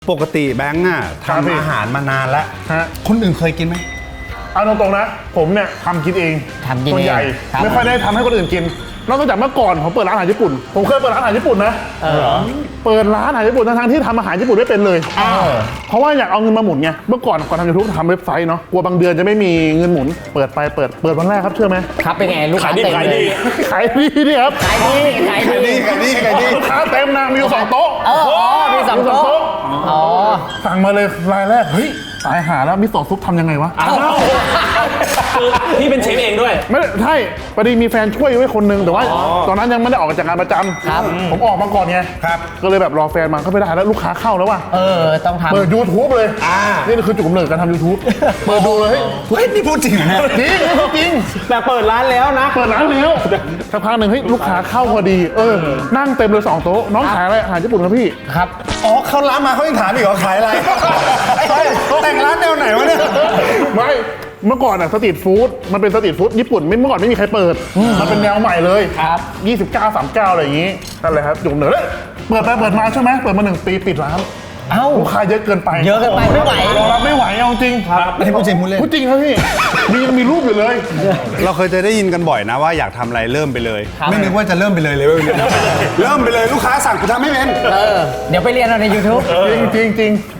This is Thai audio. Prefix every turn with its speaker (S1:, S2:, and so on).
S1: ปกติแบงค์อ่ะ
S2: ครับพี่
S1: ทำอาหารมานานแล้ว
S2: ฮะ
S1: คนอื่นเคยกินไหม
S2: เอาตรงๆนะ ผมเนี่ยทำกินเอง
S3: ทำกินเอง
S2: ส่วนใหญ่
S3: ครับ
S2: ไม่ค่อยได้ทำให้คนอื่นกิน นอกจากเมื่อก่อนผมเปิดร้านอาหารญี่ปุ่น ผมเคยเปิดร้านอาหารญี่ปุ่นนะเปิดร้านอาหารญี่ปุ่นทั้งๆที่ทำอาหารญี่ปุ่นไม่เป็นเลย เพราะว่าอยากเอาเงินมาหมุนไง เมื่อก่อนทำยูทูบทำเว็บไซต์เนาะ กลัวบางเดือนจะไม่มีเงินหมุน เปิดวันแรกครับเชื่อไหม
S3: ครับเป็นไงลูกค้าเต็มเลย
S2: ขายดีนี่ครับ
S3: ขายดีขายดี
S2: ลูกค้าเต็มนะมีอยู่2 โต๊ะ
S3: อ๋อมีสองโต๊ะอ๋อ
S2: สั่งมาเลยรายแรก เฮ้ยตายหาแล้วมิโซะซุปทำยังไงวะ
S4: คือพี่เป็นเชฟเองด้วย
S2: ไม่ได้ใช่พอดีมีแฟนช่วยไว้คนนึงแต่ว่าตอนนั้นยังไม่ได้ออกจากงานประจำ
S3: ครับ
S2: ผมออกมาก่อนไง
S1: ครับ
S2: ก็เลยแบบรอแฟนมาก็ไม่ได้แล้วลูกค้าเข้าแล้วว่ะ
S3: ต้องทำ
S2: เปิด YouTube เลยนี่คือจุดกำเนิดการทำ YouTube เปิดดูเลย
S1: เฮ้ยนี่พูดจริงเหรอเนี่ย
S2: จริงจริง
S4: แต่เปิดร้านแล้วนะ
S2: เปิดร้านแล้วสักพักหนึ่งเฮ้ยลูกค้าเข้าพอดีนั่งเต็มเลย2 โต๊ะน้องขายอะไรอาหารญี่ปุ่นครับพี่
S3: ครับ
S1: อ๋อเขาร้านมาเขายังถามอีกเหรอขายอะไรเฮ้ยแต่งร้านแนวไหนวะเนี่ย
S2: ไม่เมื่อก่อนอะสตรีทฟู้ดมันเป็นสตรีทฟู้ดญี่ปุ่นเมื่อก่อนไม่มีใครเปิดมันเป็นแนวใหม่เลย
S3: ครับ
S2: 29 39อะไรอย่างงี้นั่นแหละครับจุดกำเนิดเปิดไปเปิดมาใช่ไหมเปิดมา1 ปีปิดร้าน
S3: เอ้า
S2: ลูกค้าเยอะเกินไป
S3: เยอะเกินไปไม่ไหว
S2: รองรับไม่ไหวเอาจริง
S1: อันนี้พูดจริงพูดเล่น
S2: พูดจริงครับพี่ยังมีรูปอยู่เลย
S1: เราเคยจะได้ยินกันบ่อยนะว่าอยากทำอะไรเริ่มไปเลย
S3: ครับ
S1: ไม่นึกว่าจะเริ่มไปเลยเลยเว้ยเริ่มไปเลยลูกค้าสั่งกูทำไม่เป็น
S3: เดี๋ยวไปเรียนเอาใน YouTube
S2: จริงจริงจริง